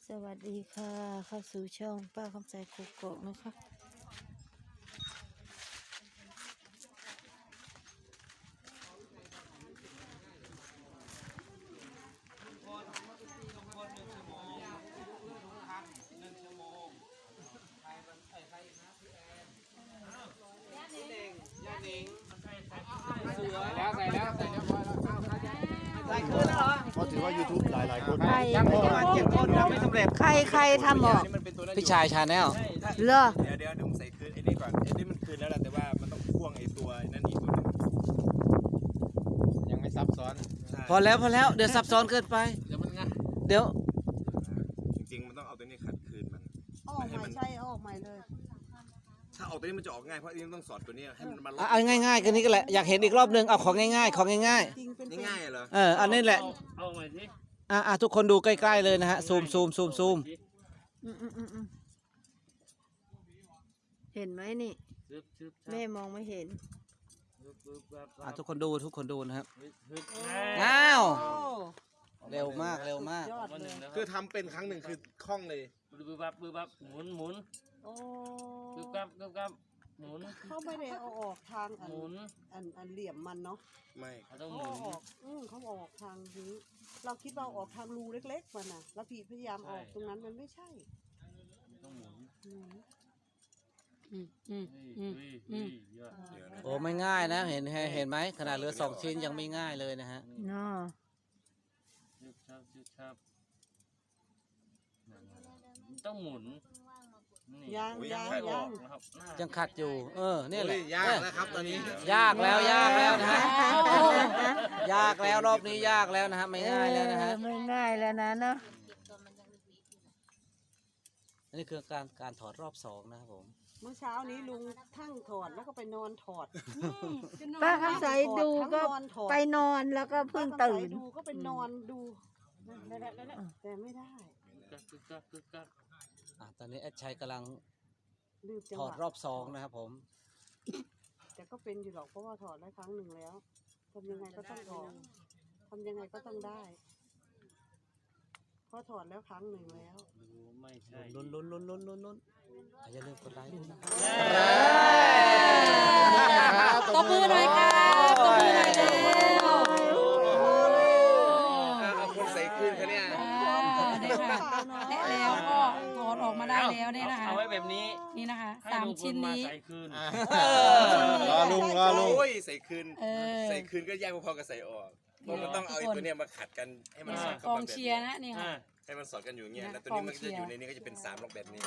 สวัสดีค่ะเข้าสู่ช่องป้าคำใจกุกโกะนะคะก็ถือว่า YouTube หลายคนใครยังประมาณ7 คนยังไม่สำเร็จใครทำบอกพี่ชายชาแนลเหรอเดี๋ยวผมใส่คืนไอ้นี่ก่อนไอ้นี่มันคืนแล้วแหละแต่ว่ามันต้องพ่วงไอ้ตัวนั่นอีกตัวนึงยังไม่ซับซ้อนพอแล้วเดี๋ยวซับซ้อนเกินไปเดี๋ยวมันง่ายเดี๋ยวจริงๆมันต้องเอาตัวนี้ขัดคืนมันออกใหม่ใช่ออกใหม่เลยถ้าออกตัวนี้มันจะออกง่ายเพราะอันนี้มันต้องสอดตัวนี้ให้มันมาล็อกเอาง่ายๆกันนี้ก็แหละอยากเห็นอีกรอบนึงเอาของง่ายๆของง่ายจริงเป็นนี่ง่ายเหรอๆอันนี้แหละเอาใหม่สิทุกคนดูใกล้ๆเลยนะฮะซูมอืมเห็นไหมนี่ซึบซึบแม่มองไม่เห็นซึบซึบแบบทุกคนดูนะครับซึบอ้าวโอ้เร็วมากยอดวันเลหนึ่ยงนะคคืรัอบ ทำเป็นครั้งหนึ่งคือคล่องเลยบึบบับหมุนโอ้ซึบกับหมุนเขาไม่ได้เอาออกทางหมุนอันเหลี่ยมมันเนาะไม่เขาต้องเขาหมุเอานออกเขาเอาออกทางนี้เราคิดว่าเอาออกทางรูเล็กๆมันน่ะแล้วพี่พยายามออกตรงนั้นมันไม่ใช่ต้องหมุน เยอะเดี๋ยวนะโอ้ไม่ง่ายนะเห็นไหมขนาดเหลือ2 ชิ้นยังไม่ง่ายเลยนะฮะเนาะซึบชับต้องหมุนยังนะครับยังขัดอยู่เนี่ยแหละยากนะครับตอนนี้ยากแล้วนะฮะยากแล้วรอบนี้ยากแล้วนะฮะไม่ง่ายแล้วนะฮะไม่ง่ายแล้วนะเนาะอันนี้คือการถอดรอบ2นะครับผมเมื่อเช้านี้ลุงทั้งถอดแล้วก็ไปนอนถอดป้าคำใจดูก็ไปนอนแล้วก็เพิ่งตื่นดูก็ไปนอนดูแต่ไม่ได้กึกตอนนี้แอดชัยกำลังลืมจังถหอดรวะอบ2นะครับผมแต่ก็เป็นอยู่หรอกเพราะว่าถอดได้ครั้งหนึ่งแล้วทำยังไงก็ต้องถอดทำยังไงก็ต้องได้เพราะถอดแล้วครั้งหนึ่งแล้วดูไม่ใช่ลุ้นอย่าลืมกดไลค์ด้วยนะครับตบมือหน่อยค่ะตบมือหน่อยเร็วเอาคนใส่คืนเขาเนี่ยนี่ค่ะและแล้วก็ถอดออกมาได้แล้วเนี่ยนะคะเอาไว้แบบนี้นี่นะคะให้ลุง 3 ชิ้นพลมานี้ใส่คืนรอลุงโอ้ยใส่คืนเออใส่คืนก็ยากพอๆกับใส่ออกเพราะมันต้องเอาไอ้ตัวเนี้ยมาขัดกันให้มันสอดกกับองแบบเชียร์นะนี่ค่ะให้มันสอดกันอยู่อย่างเงี้ยนะแล้วตัวนี้มันก็จะอยู่กองเชียร์ในนี้ก็จะเป็น3ล็อกแบบนี้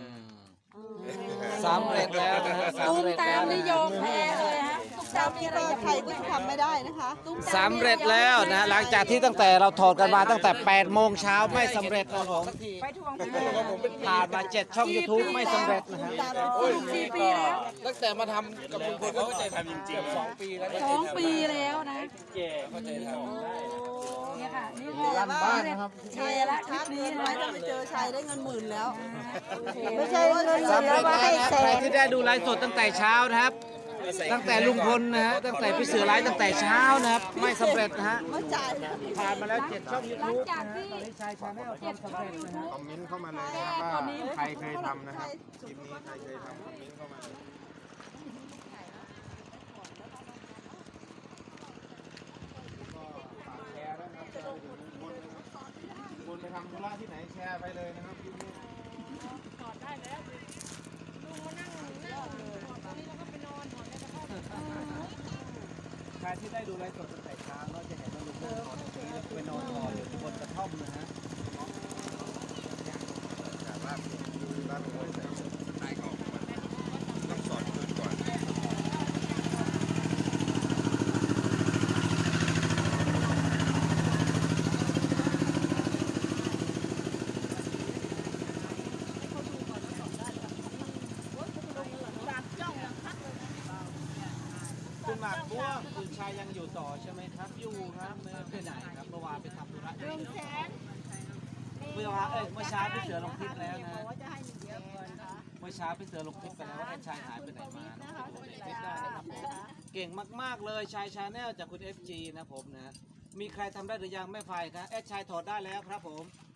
สำเร็จแล้วนะฮะตุ้มตามนี่ยอมแพ้เลยฮะตุ้มตามมีอะไรจะใครก็ทำไม่ได้นะคะสำเร็จแล้วนะหลังจากที่ตั้งแต่เราถอดกันมาตั้งแต่8 โมงเช้าไม่สำเร็จนะครับผมไปทวงผ่านมา7 ช่อง YouTube ไม่สำเร็จนะฮะ 4 ปีแล้วตั้งแต่มาทำกับลุงพลเขาใจทำจริงๆ2 ปีแล้ว 2 ปีแล้วนะแก่เข้าใจทำเนี่ยค่ะนี่คือบ้านนะครับเชียร์ละคลิปนี้ไว้นะถ้าไปเจอชายได้เงิน10,000แล้วไม่ใช่เงินเหลืสำอเร็จว่าแล้วให้นะแสใครนที่ได้ดูไลฟ์สดตั้งแต่เช้านะครับ ตั้งแต่ลุงพลนะฮะตั้งแต่พี่เสือไลฟ์ตั้งแต่เช้านะครับไม่สำเร็จนะฮะไม่จ่ายผ่านมาแล้ว7 ช่องหลัง YouTube จากที่ตอนนี้ชายชาแนลทำสำเร็จนะฮะคอมเมนต์เข้ามาเลยนะครับว่าใครเคยทำนะครับคลิปนี้ใครเคยทำคอมเมนต์เข้ามาแชร์ด้วยนะครับแชร์ไปถึงคนนะครับคนไปทำธุระที่ไหนแชร์ไปเลยนะครับคลิปนี้ใครที่ได้ดูไลฟ์สดตั้งแต่เช้าก็จะเห็นว่าลุงพลนอนตรงนี้แล้วก็ไปนอนรออยู่บนกระท่อมนะฮะแต่ว่าบ้านผมใส่สไตล์ของมันต้องสอดคืนก่อนคุณหมากบัวคุณชายยังอยู่ต่อใช่ไหมครับอยู่ครับไม่ได้ไปไหนครับเมื่อวานไปทำธุระเมื่อเช้าพี่เสือลงคลิปแล้วนะเมื่อเช้าพี่เสือลงคลิปไปแล้วว่าไอ้ชายหายไปไหนมานะไปดูในคลิปได้นะครับผมเก่งมากๆเลยชายชาแนลจากคุณ FG นะผมนะมีใครทำได้หรือยังแม่ไฟครับแอดชายถอดได้แล้วครับผม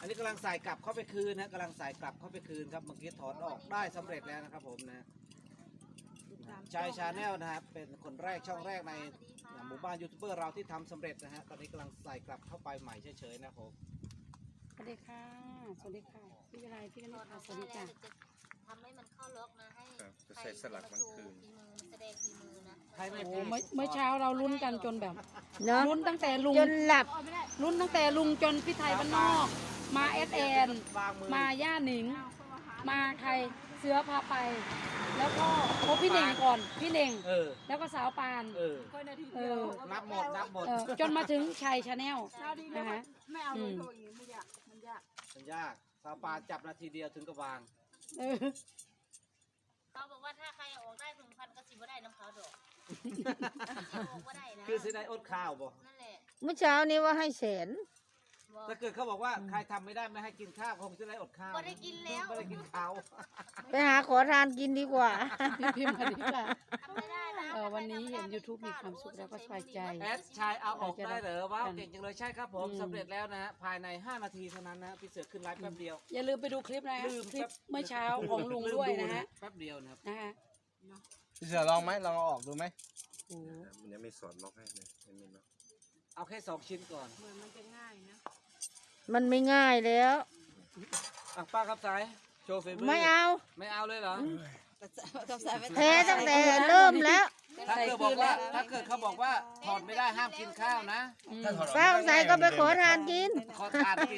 อันนี้กำลังใส่กลับเข้าไปคืนนะกำลังใส่กลับเข้าไปคืนครับเมื่อกี้ถอนออกได้สำเร็จแล้วนะครับผมนะชายชาแนลนะครับเป็นคนแรกช่องแรกในหมู่บ้านยูทูบเบอร์เราที่ทำสำเร็จนะฮะตอนนี้กำลังใส่กลับเข้าไปใหม่เฉยๆนะครับผมสวัสดีค่ะ สวัสดีค่ะ พี่วิไลพี่กนิษฐาสวัสดีจ้ะทำให้มันเข้าล็อกนะให้ครับจะใส่สลักมันคืนฝีมือแสดงฝีมือนะใครไม่โอ้พูดเมื่อเช้าเราลุ้นกันจนแบบเนาะลุ้นตั้งแต่ลุงจนหลับลุ้นตั้งแต่ลุงจนพี่ไทยบ้านนอก มาเอสแอนวางมือมาย่าหนิง มาใครเสือพาไป แล้วก็พบพี่เน่งก่อนพี่เน่งเออแล้วก็สาวปานเออเออนับหมดนับหมดจนมาถึงชัยชาแนลนะคะไม่เอาเลยโทรอย่างนี้ไม่ยากมันยากมันยากซาปาจับนาทีเดียวถึงกับวางเออเขาบอกว่าถ้าใครออกได้1,000ก็สิบ่ได้น้ำเขาดอกออกบ่ได้นะคือสิได้อดข้าวบ่นั่นแหละเมื่อเช้านี้ว่าให้แสนบอกถ้าเกิดเขาบอกว่าใครทำไม่ได้ไม่ให้กินข้าวคงจะได้อดข้าวบ่ได้กินแล้วไม่ได้กินข้าวไปหาขอทานกินดีกว่าพี่พิมพ์มาดีค่ะทำไม่ได้นะวันนี้เห็น YouTube มีความสุขแล้วก็สบายใจแอดชายเอาออกได้เหรอว้าวเก่งจังเลยใช่ครับผมสำเร็จแล้วนะฮะภายใน5 นาทีเท่านั้นนะพี่เสือขึ้นไลฟ์แป๊บเดียวอย่าลืมไปดูคลิปนะลืมคลิปเมื่อเช้าของลุงด้วยนะฮะแป๊บเดียวนะครับนะคะพี่เสือลองไหมลองเอาออกดูไหมโอ้มันยังไม่สอนล็อกให้เลยไม่มีล็อกเอาแค่2 ชิ้นก่อนเหมือนมันจะง่ายนะมันไม่ง่ายแล้วอ่ะป้าครับสายโชว์ฝีมือไม่เอาไม่เอาเลยเหรอแพ้ตั้งแต่เริ่มแล้วถ้าเกิดบอกว่าถ้าเกิดเขาบอกว่าถอดไม่ได้ห้ามกินข้าวนะป้าใส่ก็ไปขอทานกินขอทานกิน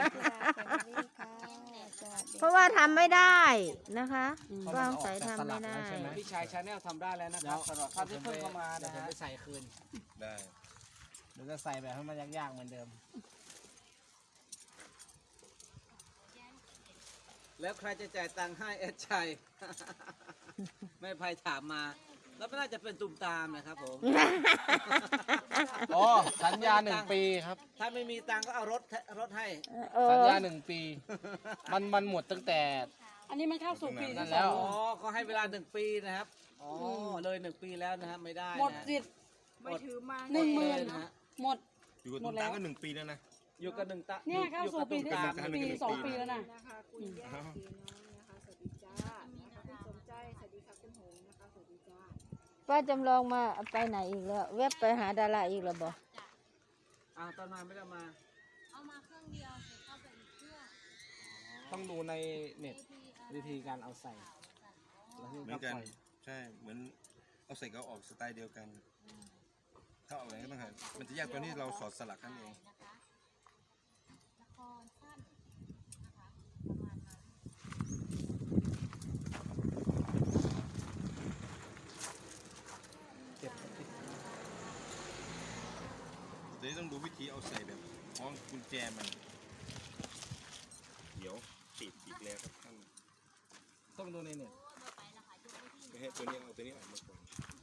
เพราะว่าทำไม่ได้นะคะป้าใส่ทำไม่ได้พี่ชายชาแนลทำได้แล้วนะครับสำหรับท่านที่เพิ่งเข้ามานะฮะไปใส่คืนได้หรือจะใส่แบบให้มันยากๆเหมือนเดิม แล้วใครจะจ่ายตังค์ให้แอดชัย ไม่ภัยถามมา แล้วไม่น่าจะเป็นตุ่มตามนะครับผมอ๋อสัญญา1 ปีครับถ้าไม่มีตังค์ก็เอารถให้เอสัญอญา1 ปี มันหมดตั้งแต่อันนี้มันเข้าสู่ปีนั่ที่นสแล้อวงอ๋อก็ให้เวลา1 ปีนะครับ อ๋อเลย1 ปีแล้วนะครับไม่ได้นะหมดสิทธิ์ไม่ถือมา 10,000 นะฮะหมดอยู่กับหมตุ้ดมแล้ตาว ก็1 ปีแล้วนะอยู่กับ1 ตาเนี่ยเข้าสู่ปีที่อยู่กับสามตุ่มตามปี2 ปีแล้วนะนะคะคุณย่าสีน้องนะคะสวัสดีจ้านะคะคุณสมใจสวัสดีค่ะคุณหงส์นะคะสวัสดีจ้าป้าจำลองมาไปไหนอีกแล้วแวบไปหาดาราอีกแล้วบอกอ้าวตอนมาไม่ได้มาเอามาเครื่องเดียวเสร็จเข้าไปอีกเครื่องต้องดูในเน็ตวิธีการเอาใส่แล้วเหมือนกันใช่เหมือนเอาใส่ก็ออกสไตล์เดียวกัน ถ้าเอาอะไรก็ต้องหามันจะยากตอนที่เราสอดสลักนั่นเองนะคะละครสั้นนะคะประมาณนั้นเก็บเดี๋ยวต้องดูวิธีเอาใส่แบบคล้องกุญแจมัน เดี๋ยวติดอีกแล้วครับท่านต้องดูในเน็ตไม่ให้ตัวนี้เอาตัวนี้ออกมาก่อน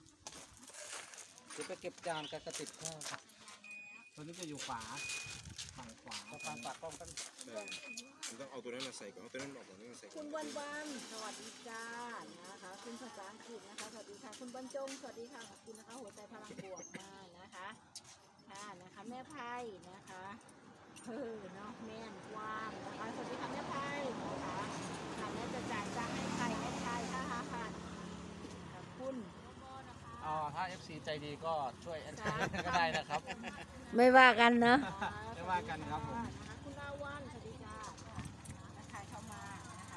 จะไปเก็บจานกับกระติกข้าวครับตัวนี้จะอยู่ขวาฝั่งขวาฝั่งปากกล้องกันใช่มันต้องเอาตัวนั้นมาใส่ก่อนเอาตัวนั้นออกก่อนแล้วมาใส่ก่คุอนณวันวันสวัสดีจ้านะคะคุณภาษาอังกฤษนะคะสวัสดีค่ะคุณบรรจงสวัสดีค่ะขอบคุณนะคะหัวใจพลังบวกมานะคะค่ะนะคะแม่ไพ่นะคะเนาะแม่นกว้างนะคะสวัสดีค่ะแม่ไพ่นะคะค่ะแม่จะจ่ายตังค์ให้ใครให้ใครค่ะค่ะขอบคุณอ๋อถ้า FC ใจดีก็ช่วยแอนก็ได้นะครับไม่ว่ากันเนอะไม่ว่ากันครับผมนะคะคุณลาวันสวัสดีจ้านะคะเข้ามานะคะ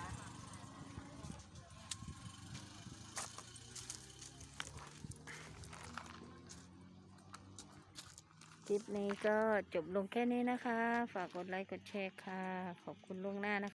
คลิปนี้ก็จบลงแค่นี้นะคะ ฝากกดไลค์กดแชร์ค่ะ ขอบคุณล่วงหน้านะคะ